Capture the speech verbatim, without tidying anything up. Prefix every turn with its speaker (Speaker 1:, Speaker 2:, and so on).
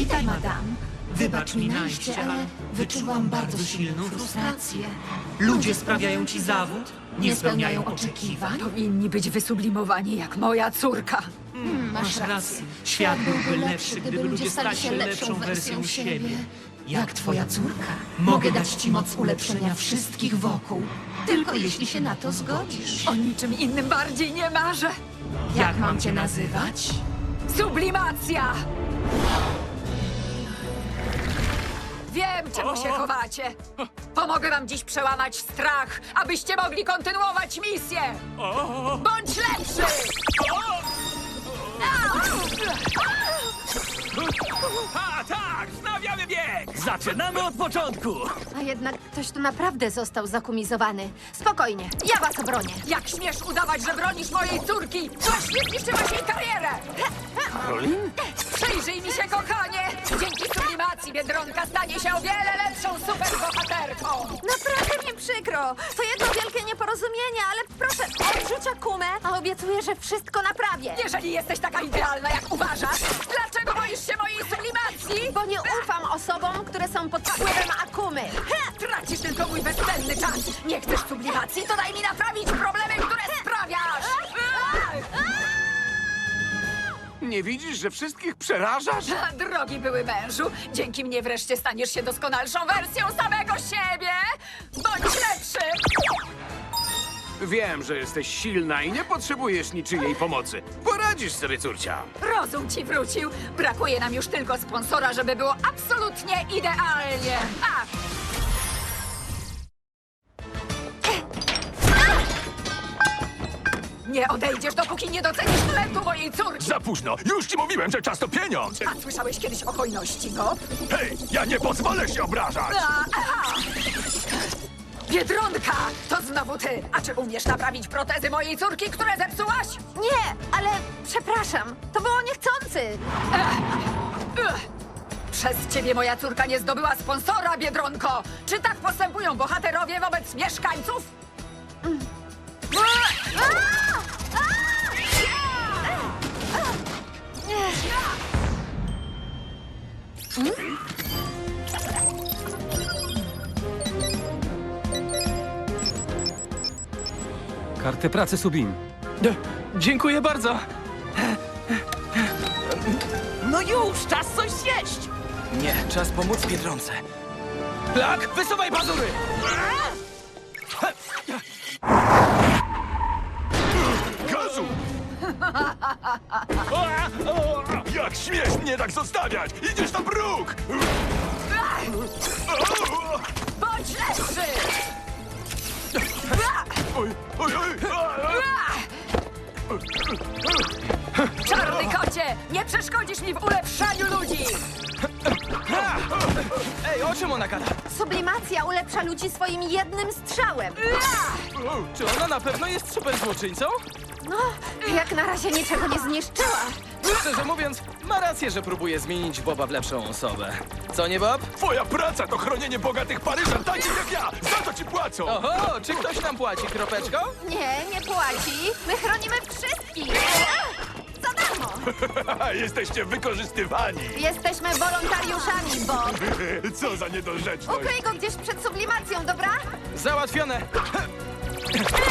Speaker 1: Witaj, madam. Wybacz mi najście, ale wyczułam bardzo silną frustrację.
Speaker 2: Ludzie sprawiają ci zawód? Nie spełniają oczekiwań?
Speaker 3: Powinni być wysublimowani jak moja córka.
Speaker 2: Masz rację. Świat byłby lepszy, gdyby ludzie stali się lepszą wersją siebie.
Speaker 1: Jak twoja córka, mogę dać ci moc ulepszenia wszystkich wokół. Tylko jeśli się na to zgodzisz.
Speaker 3: O niczym innym bardziej nie marzę.
Speaker 2: Jak mam cię nazywać?
Speaker 3: Sublimacja! Wiem, czemu się chowacie. Pomogę wam dziś przełamać strach, abyście mogli kontynuować misję. Bądź lepszy!
Speaker 4: A tak, wznawiamy bieg! Zaczynamy od początku!
Speaker 5: A jednak ktoś tu naprawdę został zakumizowany. Spokojnie, ja was obronię.
Speaker 3: Jak śmiesz udawać, że bronisz mojej córki? Właśnie zniszczyłaś jej karierę!
Speaker 4: Karolin?
Speaker 3: Przyjrzyj mi się, kochanie! Dzięki sublimacji Biedronka stanie się o wiele lepszą superbohaterką!
Speaker 5: Naprawdę mi przykro. To jedno wielkie nieporozumienie, ale proszę, odrzuć Akumę, a obiecuję, że wszystko naprawię.
Speaker 3: Jeżeli jesteś taka idealna, jak uważasz, dlaczego boisz się mojej sublimacji?
Speaker 5: Bo nie ufam osobom, które są pod wpływem Akumy.
Speaker 3: Tracisz tylko mój bezcenny czas! Nie chcesz sublimacji, to daj mi naprawić problemy, które sprawiasz!
Speaker 4: Nie widzisz, że wszystkich przerażasz?
Speaker 3: Drogi były mężu, dzięki mnie wreszcie staniesz się doskonalszą wersją samego siebie! Bądź lepszy!
Speaker 4: Wiem, że jesteś silna i nie potrzebujesz niczyjej pomocy. Poradzisz sobie, córcia.
Speaker 3: Rozum ci wrócił. Brakuje nam już tylko sponsora, żeby było absolutnie idealnie. A! Nie odejdziesz, dopóki nie docenisz talentu mojej córki.
Speaker 6: Za późno! Już ci mówiłem, że czas to pieniądz!
Speaker 3: A słyszałeś kiedyś o hojności, Bob?
Speaker 6: Hej, ja nie pozwolę się obrażać!
Speaker 3: A, a. Biedronka! To znowu ty! A czy umiesz naprawić protezy mojej córki, które zepsułaś?
Speaker 5: Nie, ale przepraszam, to było niechcący.
Speaker 3: Ugh. Przez ciebie moja córka nie zdobyła sponsora, Biedronko! Czy tak postępują bohaterowie wobec mieszkańców?
Speaker 7: Karty pracy Subim.
Speaker 8: Dziękuję bardzo.
Speaker 4: No już, czas coś zjeść!
Speaker 8: Nie, czas pomóc Biedronce. Plak, wysuwaj pazury!
Speaker 6: Gazu! Jak śmiesz mnie tak zostawiać? Idziesz na bruk!
Speaker 3: Bądź lepszy!
Speaker 6: Oj, oj, oj!
Speaker 3: Czarny kocie! Nie przeszkodzisz mi w ulepszaniu ludzi!
Speaker 8: Ej, o czym ona gada?
Speaker 5: Sublimacja ulepsza ludzi swoim jednym strzałem.
Speaker 8: Czy ona na pewno jest super złoczyńcą?
Speaker 5: No, jak na razie niczego nie zniszczyła.
Speaker 8: Szczerze mówiąc, ma rację, że próbuje zmienić Boba w lepszą osobę. Co nie, Bob?
Speaker 6: Twoja praca to chronienie bogatych Paryżan, takich jak ja! Za to ci płacą!
Speaker 8: Oho, czy ktoś nam płaci, kropeczko?
Speaker 5: Nie, nie płaci. My chronimy wszystkich. Za darmo.
Speaker 6: Jesteście wykorzystywani!
Speaker 5: Jesteśmy wolontariuszami, Bob.
Speaker 6: Co za niedorzeczność!
Speaker 5: Ukryj go gdzieś przed sublimacją, dobra?
Speaker 8: Załatwione.